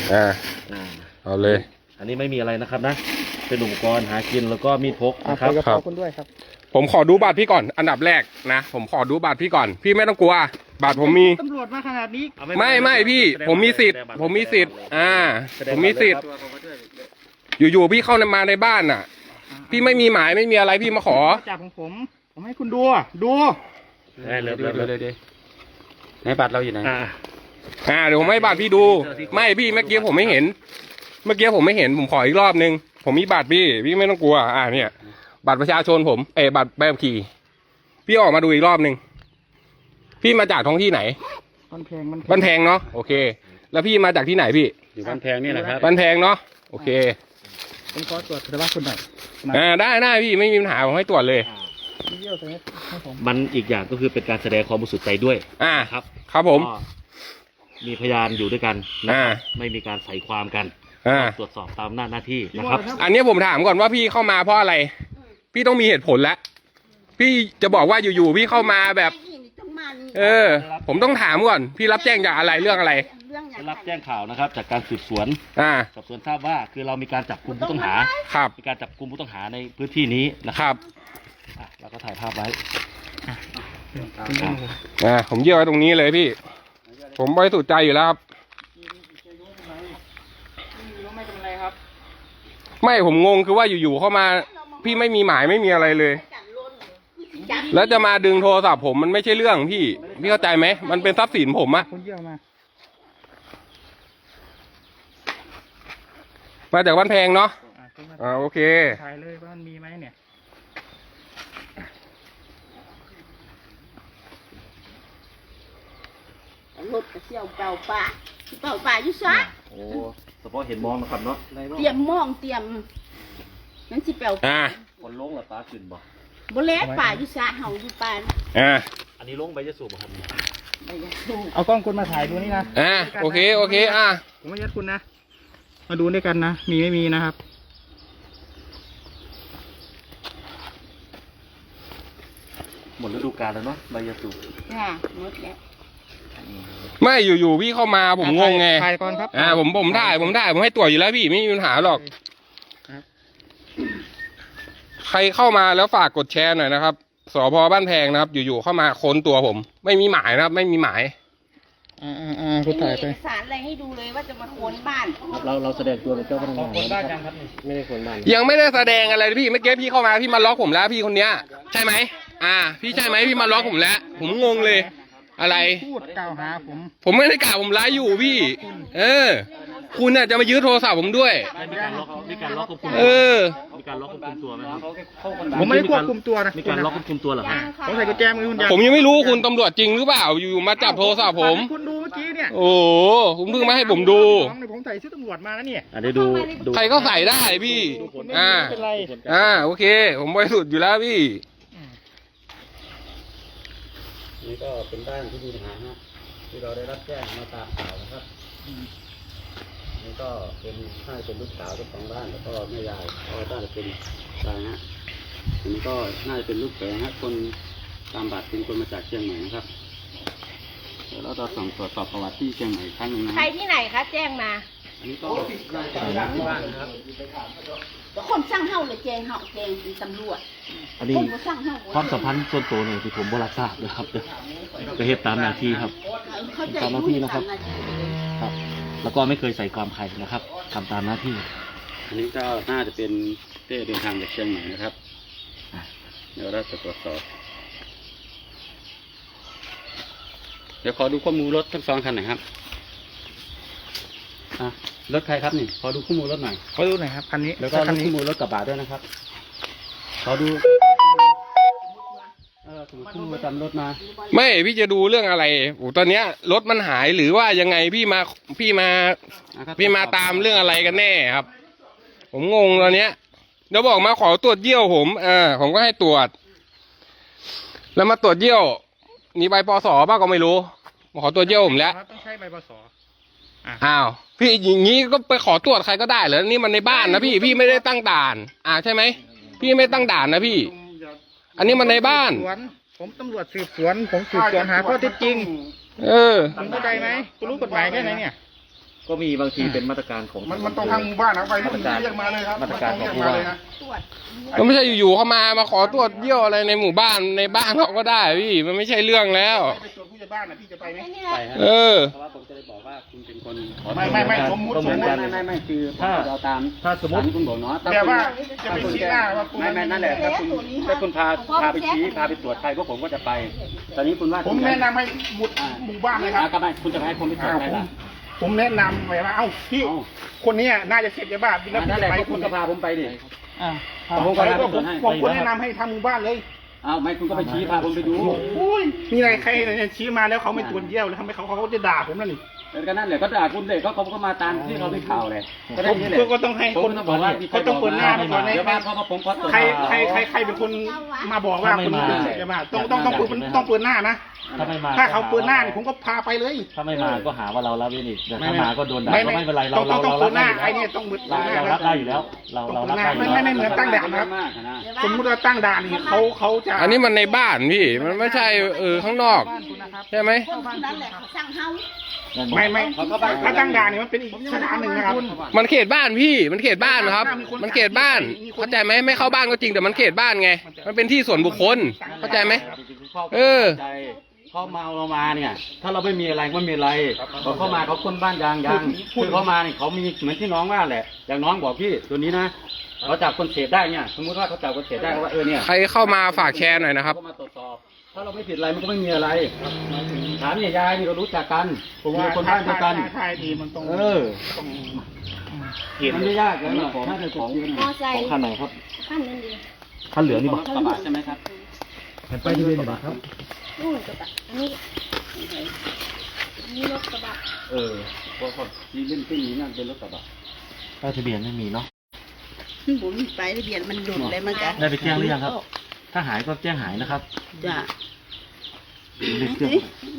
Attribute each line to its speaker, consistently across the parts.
Speaker 1: เอาเลย
Speaker 2: อันนี้ไม่มีอะไรนะครับนะเป็นอุปกรณ์หากินแล้วก็มีดพกนะครับ
Speaker 3: ขอบคุณด้วยครับ
Speaker 1: ผมขอดูบัตรพี่ก่อนอันดับแรกนะผมขอดูบัตรพี่ก่อนพี่ไม่ต้องกลัวบัตรผมมี
Speaker 3: ตำรวจมาขนาดนี้
Speaker 1: ไม่พี่ผมมีสิทธิ์ผมมีสิทธิ์ผมมีสิทธิ์อยู่ๆพี่เข้ามาในบ้านน่ะพี่ไม่มีหมายไม่มีอะไรพี่มาขอ
Speaker 3: จับของผมให้คุณดู
Speaker 2: เลยในบัตรเราอยู่ไหน
Speaker 1: เดี๋ยวผมให้บัตรพี่ดูไม่พี่เมื่อกี้ผมไม่เห็นผมขออีกรอบนึงผมมีบัตรพี่ไม่ต้องกลัวเนี่ยบัตรประชาชนผมบัตรใบขับขี่พี่ออกมาดูอีกรอบนึงพี่มาจากท้องที่ไหน
Speaker 3: บ้าน
Speaker 1: แพงเนาะโอเคแล้วพี่มาจากที่ไหนพี่
Speaker 2: อยู่บ้านแพงนี่แหละครับ
Speaker 1: บ้านแพงเนาะโอเค
Speaker 3: ผมขอตรวจแต่ว่าคุณหน่อย
Speaker 1: ได้พี่ไม่มีปัญหาผมให้ตรวจเลย
Speaker 2: มันอีกอย่างก็คือเป็นการแสดงความบริสุทธิ์ใจด้วย
Speaker 1: ครับผม
Speaker 2: มีพยานอยู่ด้วยกันไม่มีการใส่ความกันตรวจสอบตามหน้าที่นะครับ
Speaker 1: อันนี้ผมถามก่อนว่าพี่เข้ามาเพราะอะไรพี่ต้องมีเหตุผลแล้วพี่จะบอกว่าอยู่ๆพี่เข้ามาแบบผมต้องถามก่อนพี่รับแจ้งจากอะไรเรื่องอะไร
Speaker 2: รับแจ้งข่าวนะครับจากการสืบสวนสอบสวนทราบว่าคือเรามีการจับกุมผู้ต้องหามีการจับกุมผู้ต้องหาในพื้นที่นี้นะครับเราก็ถ่ายภาพไว้
Speaker 1: ผมเยี่ยวไว้ตรงนี้เลยพี่ผมบริสุทธิ์ใจอยู่แล้วครับไม่ผมงงคือว่าอยู่ๆเข้ามาพี่ไม่มีหมายไม่มีอะไรเลยแล้วจะมาดึงโทรศัพท์ผมมันไม่ใช่เรื่องพี่เข้าใจไหมมันเป็นทรัพย์สินผมอะมาจากบ้านแพงเนาะโอเค
Speaker 3: ถ่ายเลยว่ามันมีไหมเนี่ย
Speaker 4: รถกระเชี่ยวเป่าป่าอยู่ซะ
Speaker 2: โอ้เฉพาะเห็นมองนะครับเนาะ
Speaker 4: เตรียมมองเตรียมนั่นสิเป่า
Speaker 2: คนลงหรือปลาขึ้นบ่
Speaker 4: บ่เล็กป่าอยู่ซะเห่าอยู่ป่า
Speaker 2: อันนี้ลงใบจะสูบบ่ครับ
Speaker 3: เอากล้องคุณมาถ่ายดูนี่นะ
Speaker 1: โอเค
Speaker 3: ผมไม่ยัดคุณนะมาดูด้วยกันนะมีไม่มีนะครับ
Speaker 2: หมดฤดูกาลแล้วเนาะใบยาสูบ
Speaker 4: หมดแล้ว
Speaker 1: ไม่อยู่ๆพี่เข้ามาผมงงไง
Speaker 3: ถ่ายก่อนครับ
Speaker 1: ผมได้ผมให้ตรวจอยู่แล้วพี่ไม่มีปัญหาหรอกใครเข้ามาแล้วฝากกดแชร์หน่อยนะครับสภ.บ้านแพงนะครับอยู่ๆเข้ามาค้นตัวผมไม่มีหมายนะครับไม่มีหมาย
Speaker 3: คุณถ่ายไป
Speaker 4: เอกสารอะไรให้ดูเลยว่าจะมาค้นบ้าน
Speaker 2: เราแสดงตัวเป็นเจ้าพนักงาน
Speaker 3: ค้นบ้านยังครับ
Speaker 2: ไม่ได้ค้นบ้าน
Speaker 1: ยังไม่ได้แสดงอะไรพี่เมื่อกี้พี่เข้ามาพี่มาล็อกผมแล้วพี่คนเนี้ยใช่ไหมพี่ใช่ไหมพี่มาล็อกผมแล้วผมงงเลยอะไร
Speaker 3: พูดกล่าวหา
Speaker 1: ผมไม่ได้กล่าวผมไลฟ์อยู่พี่คุณน่ะจะมายื้อโทรศัพท์ผมด้วย
Speaker 2: มีการล็อกควบคุมมีการล็อกควบคุมตัวไหมครับ
Speaker 3: ผมไม่ได้ควบคุมตัวนะ
Speaker 2: มีการล็อกควบคุมตัวเหรอครับ
Speaker 3: ผมใส่กุญแจมือคุณ
Speaker 1: ผมยังไม่รู้คุณตำรวจจริงหรือเปล่าอยู่มาจับโทรศัพท์ผม
Speaker 3: คุณดูเมื่อกี้เนี่ย
Speaker 1: โอ้คุณเพิ่งมาให้ผมดู
Speaker 3: ผมใส่ชุดตำรวจมาแล้วเนี่ย
Speaker 2: ได้ดู
Speaker 1: ใครก็ใส่ได้พี่โอเคผมบริสุทธิ์อยู่แล้วพี่
Speaker 2: นี่ก็เป็นบ้านที่มีปัญหาที่เราได้รับแจ้งมาตามข่าวนะครับนี่ก็เป็นลูกสาวเจ้าของบ้านแล้วก็แม่ยายก็น่าจะเป็นอะไรอันนี้ก็น่าจะเป็นลูกแฝงคนตามบัตรเป็นคนมาจากเชียงใหม่นะครับเดี๋ยวเราจะส่งตรวจสอบประวัติที่เชียงใหม่ครั้งนึงนะ
Speaker 4: ใครที่ไหนคะแจ้งมา
Speaker 2: อันนี้ก็น่าจะเป็นที่บ้านนะครับ
Speaker 4: คนสร้างเฮ้าเลยแจ้งตำรวจ
Speaker 2: อันนี้ความสัมพันธ์ส่วนตัวเนี่ยที่ผมบริษัทนะครับก็เหตุตามหน้าที่ครับตามหน้าที่นะครับแล้วก็ไม่เคยใส่ความใครนะครับทำตามหน้าที่อันนี้ก็น่าจะเป็นเต้เดินทางจากเชียงใหม่นะครับเดี๋ยวเราจะตรวจสอบเดี๋ยวขอดูข้อมูลรถทั้งสองคันหน่อยครับรถใครครับนี่ขอดูข้อมูลรถหน่อย
Speaker 3: ขอดูหน่อยครับคันนี้
Speaker 2: แล้วก็ข้อมูลรถกระบะด้วยนะครับขอดูข้อมูลประจำรถมา
Speaker 1: ไม่พี่จะดูเรื่องอะไรตอนเนี้ยรถมันหายหรือว่ายังไงพี่มาตามเรื่องอะไรกันแน่ครับผมงงตอนเนี้ยเดี๋ยวบอกมาขอตรวจเยี่ยวผมก็ให้ตรวจแล้วมาตรวจเยี่ยวมีใบปส.บ้างก็ไม่รู้มาขอตรวจเยี่ยวผมแล้ว
Speaker 3: ต้องใช้ใบปส.
Speaker 1: พี่อย่างนี้ก็ไปขอตรวจใครก็ได้เหรอนี่มันในบ้านนะพี่ไม่ได้ตั้งด่านใช่ไหมพี่ไม่ตั้งด่านนะพี่อันนี้มันในบ้าน
Speaker 3: ผมตำรวจสืบสวนผมสืบสวนหาข้อเท็จจริงคุณเข้าใจไหมคุณรู้กฎหมายแค่ไหนเนี่ย
Speaker 2: ก็มีบางทีเป็นมาตรการของ
Speaker 3: มันต้องทางหมู่บ้านนะไป
Speaker 2: มาตรการ
Speaker 3: เรียกมาเลยครับ
Speaker 2: มาตรการของ
Speaker 3: เรียก
Speaker 2: ผู้
Speaker 3: มา
Speaker 2: ว่า
Speaker 3: เลยนะ
Speaker 4: ตรวจ
Speaker 1: ก็ไม่ใช่อยู่ๆเขามาขอตรวจเยี่ยวอะไรในหมู่บ้านในบ้านเขาก็ได้พี่มันไม่ใช่เรื่องแล้ว
Speaker 3: ไปตรวจผู้ใหญ่บ้านนะพี่จะไปไหม
Speaker 2: ไปฮะ
Speaker 1: เออ
Speaker 2: เพราะว่าผมจะได้บอกว่าคุณเป็นคนขอ
Speaker 3: ไม่สมมุติ
Speaker 2: ก็เหมือนกัน
Speaker 5: ไม่คือ
Speaker 2: ถ้า
Speaker 5: เราตาม
Speaker 2: ถ้าสมมติ
Speaker 5: ที่คุณบอกเนาะ
Speaker 3: แต่ว่าจะไปชี้หน้าว่าคุณ
Speaker 5: ไม่นั่นแหละถ้าคุณพาไปชี้พาไปตรวจใครพวกผมก็จะไป ตอนนี้คุณว่า
Speaker 3: ผมแนะนำให้หมู่บ้านเลยครับ
Speaker 5: ก็ไม่คุณจะให้ผมไปตรวจใครล่ะ
Speaker 3: ผมแนะนำไปว่าเอ้าพี่คนนี้น่าจะเสพยาบ้าแล้วพี่
Speaker 5: นั่นแห
Speaker 3: จะ
Speaker 5: ละ
Speaker 3: ไป
Speaker 5: คุณก็พาผมไปดิ
Speaker 3: ผมควรแนะนำให้ทางหมู่บ้านเลย
Speaker 5: เอาไม่คุณก็ไปชี้พาผมไปดู
Speaker 3: โอ้ยมีอะไรใครเนี่ยชี้มาแล้วเขาไม่ตรวจเยี่ยวเลยทำไมเขาจะด่าผมนั่นนี่
Speaker 5: แล้วก็นั่นแหละก็ด่าคุณเลยเขาก็มาตามที่เราได้ข่าวเลยก็ได้นี่แหละ
Speaker 3: ก็ต้องให้
Speaker 5: ผม
Speaker 3: คน
Speaker 5: ต้องบอกว่า
Speaker 3: เขาต้องเปิดหน้ามาก่อน
Speaker 5: เดี๋ยวบ้านเขามาผมขอตรวจ
Speaker 3: ใครเป็นคนมาบอกว่าคนนี้เสพยาบ้าต้องเปิดหน้านะ
Speaker 2: ถ้าไม่มา
Speaker 3: ถ้าเขาเปิดหน้าเนี่ยผมก็พาไปเลย
Speaker 2: ถ้าไม่มาก็หาว่าเราละเว้นอีกแต่ถ้ามาก็โดนด่าก็ไม่เป็นไรเรา
Speaker 3: ต้องเปิดหน้า
Speaker 2: รับ
Speaker 3: ไอ้เนี่ยต้องเปิดหน้า
Speaker 2: เรารับได้อยู่แล้ว เรารับได้อยู่
Speaker 3: ไม่
Speaker 2: แล้ว
Speaker 3: เหมือนตั้งด่านนะครับ สมมติว่าตั้งด่านนี่เขาจะ
Speaker 1: อันนี้มันในบ้านพี่มันไม่ใช่ข้างนอกใช่ไหม
Speaker 4: คนนั้นแหละเขาสั่งเฮา
Speaker 3: ไม่ถ้าตั้งด่านนี่มันเป็นอีกสถานหนึ่งนะครับ
Speaker 1: มันเขตบ้านพี่มันเขตบ้านครับ มันเขตบ้านเข้าใจไหมไม่เข้าบ้านก็จริงแต่มันเขตบ้านไง มันเป็นที่ส่วนบุคคลเข้าใจไหม เออ
Speaker 2: เขาเมาเรามาเนี่ย ถ้าเราไม่มีอะไรก็ไม่มีอะไรพอเข้ามาเขาคนบ้านยางคือเขามาเนี่ยเขามีเหมือนที่น้องว่าแหละอย่างน้องบอกพี่ตัวนี้นะเขาจับคนเสพได้เนี่ยสมมติว่าเขาจับคนเสพได้ว่าเนี่ย
Speaker 1: ใครเข้ามาฝากแชร์หน่อยนะครับ
Speaker 2: เขามาตรวจสอบถ้าเราไม่ผิดอะไรมันก็ไม่มีอะไรถามเนี่ยยายนี่เรารู้จักกันผมเป็นคนบ้านเดียวกัน
Speaker 3: ถ้าดีมันต้อง
Speaker 2: มันไม่ยากเลยถ้าเป็นของ
Speaker 4: มอไซค์
Speaker 2: คันไหนครับ
Speaker 4: ขั้นนึงดี
Speaker 2: คันเหลืองนี่บอก
Speaker 5: กระบะใช่ไหมครับ
Speaker 2: ไปที่เป็นครับ
Speaker 4: นู่นกระบะอันนี้รถกระบะ
Speaker 2: เพราะที่เล่นขึ้นนี้นั่นเป็นรถกระบะป้ายทะเบียนไม่มีเนาะ
Speaker 4: ผมมีไปทะเบียนมันหลุดเลยมันกัน
Speaker 2: ได้ไปแจ้งหรือยังครับ ถ้าหายก็แจ้งหายนะครับ
Speaker 4: จ้ะ
Speaker 2: เรียกเครื่อง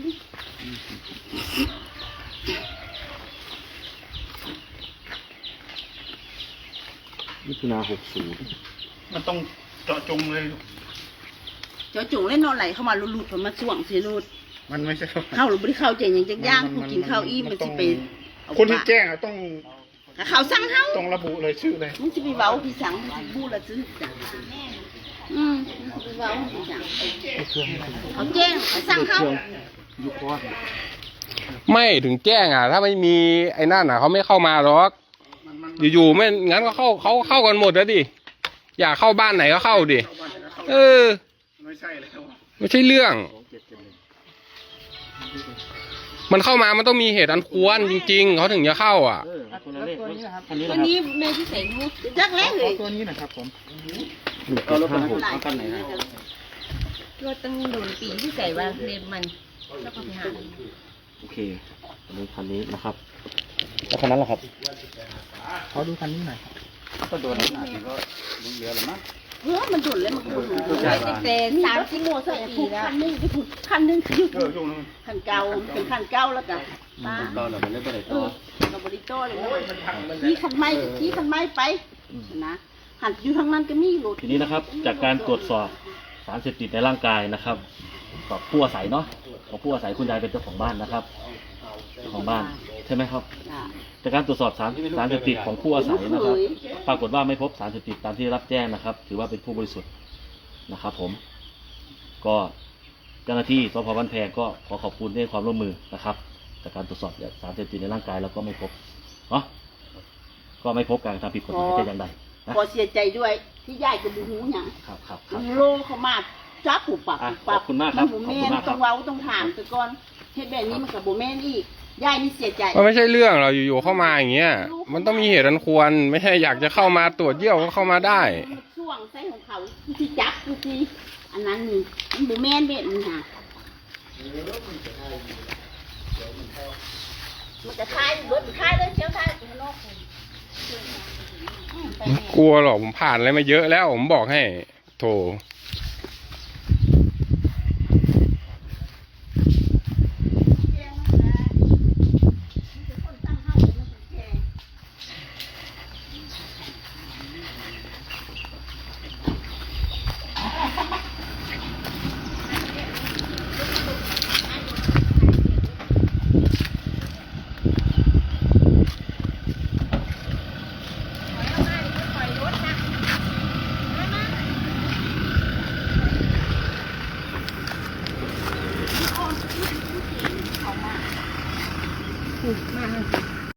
Speaker 2: มิถุนา60
Speaker 3: มันต้องเจาะจงเลย
Speaker 4: เจ้าจุ๋งเล่นนอนไหลเข้ามาลุดๆผมมาส่วงสิลุด
Speaker 3: มันไม่ใช่
Speaker 4: เข้าหรือไม่ได้เข้าเจงอย่างจักย่างผู้กินข้าวอี้มันจะไป
Speaker 3: คนที่แจ้งต้อง
Speaker 4: เขาสั่งเฮา
Speaker 3: ต้องระบุเลยชื่อเลย
Speaker 4: มึงจะไปเว้าพี่สังบูละซื้อจ้ะไปเว้าพี่สังเขาแจ้งเขาสั่งเฮา
Speaker 2: ยุคว่า
Speaker 1: ไม่ถึงแจ้งอ่ะ ถ้าไม่มีไอ้นั่นอ่ะเขาไม่เข้ามาหรอกอยู่ๆไม่งั้นก็เข้ากันหมดแล้วดิอยากเข้าบ้านไหนก็เข้าดิเออ
Speaker 3: ไม่ใช่แล้ว
Speaker 1: ไม่ใช่เรื่อง มันเข้ามามันต้องมีเหตุอันควรจริง ๆเขาถึงจะเข้าอ่ะ
Speaker 2: คนละเลขอันนี้
Speaker 4: วันนี้แม่ที่ใส่หูจักแรกเลย
Speaker 3: ตัวนี้นะครับผม
Speaker 2: เอารถคันไหนเอาคันไหนนะ
Speaker 6: ก็ตั้งโดนปีที่ใส่ว่าเลนมันแล้วก็ไปหา
Speaker 2: โอเคอันนี้คันนี้นะครับแล้วคันนั้นล่ะครับ
Speaker 3: ขอดูคันนี้หน่อย
Speaker 5: ก็โดนหน้าที่ก็ลุงเหลือหรือมั้ง
Speaker 4: มันดุนเลยมันดุนแต่30โมงใส่ผูกคันนึงไปผูกคันนึงอยู่คันเก่าเป็นคันเก่าแล้วกันป้า
Speaker 5: เราเราไปเล่นไปไหนต่อ
Speaker 4: เราบริโตเลยที่คันไม้ไปนะหันอยู่ทางนั้นก็มีรถ
Speaker 2: ทีนี้นะครับ จากการตรวจสอบสารเสพติดในร่างกายนะครับกับผู้อาศัยเนาะของผู้อาศัยคุณยายเป็นเจ้าของบ้านนะครับเจ้าของบ้านใช่ไหมครับ จากการตรวจสอบสารเสพติดของผู้อาศัยนะครับ ปรากฏว่าไม่พบสารเสพติดตามที่รับแจ้งนะครับ ถือว่าเป็นผู้บริสุทธิ์นะครับ ผม ก็เจ้าหน้าที่สพบ้านแพงก็ขอขอบคุณในความร่วมมือนะครับจากการตรวจสอบสารเสพติดในร่างกายแล้วก็ไม่พบเนาะก็ไม่พบการกระทำผิดกฎหมายแต่อย่างใดนะ
Speaker 4: ขอเสียใจด้วยที่ยายกับบูหูหยัง
Speaker 2: ครับ
Speaker 4: โลเขามาจับผูกปาก
Speaker 2: ขอบคุณมากครับ
Speaker 4: มัน
Speaker 2: ขอบ
Speaker 4: แม่
Speaker 2: คุณมากค
Speaker 4: ต้
Speaker 2: รั
Speaker 4: อบ งเว้าต้องถามแต่ก่อนเฮ็ดแบบนี้มันกับโบแม่นอีกยายนี่เสียใจ
Speaker 1: มันไม่ใช่เรื่องเราอยู่ๆเข้ามาอย่างเงี้ยมันต้องมีเหตุอันควร ไม่ใช่อยากจะเข้ามาตรวจเยี่ยวก็เข้ามาได้
Speaker 4: ช่วงไส้ของเขาที่จับที่อันนั้นนี่มันโบแม่นเบ็ดนี่ฮะมันจะคายรถคายเลยเชียวคายข้างนอก
Speaker 1: กลัวหรอกผมผ่านอะไรมาเยอะแล้วผมบอกให้โถ
Speaker 6: ถูกมาก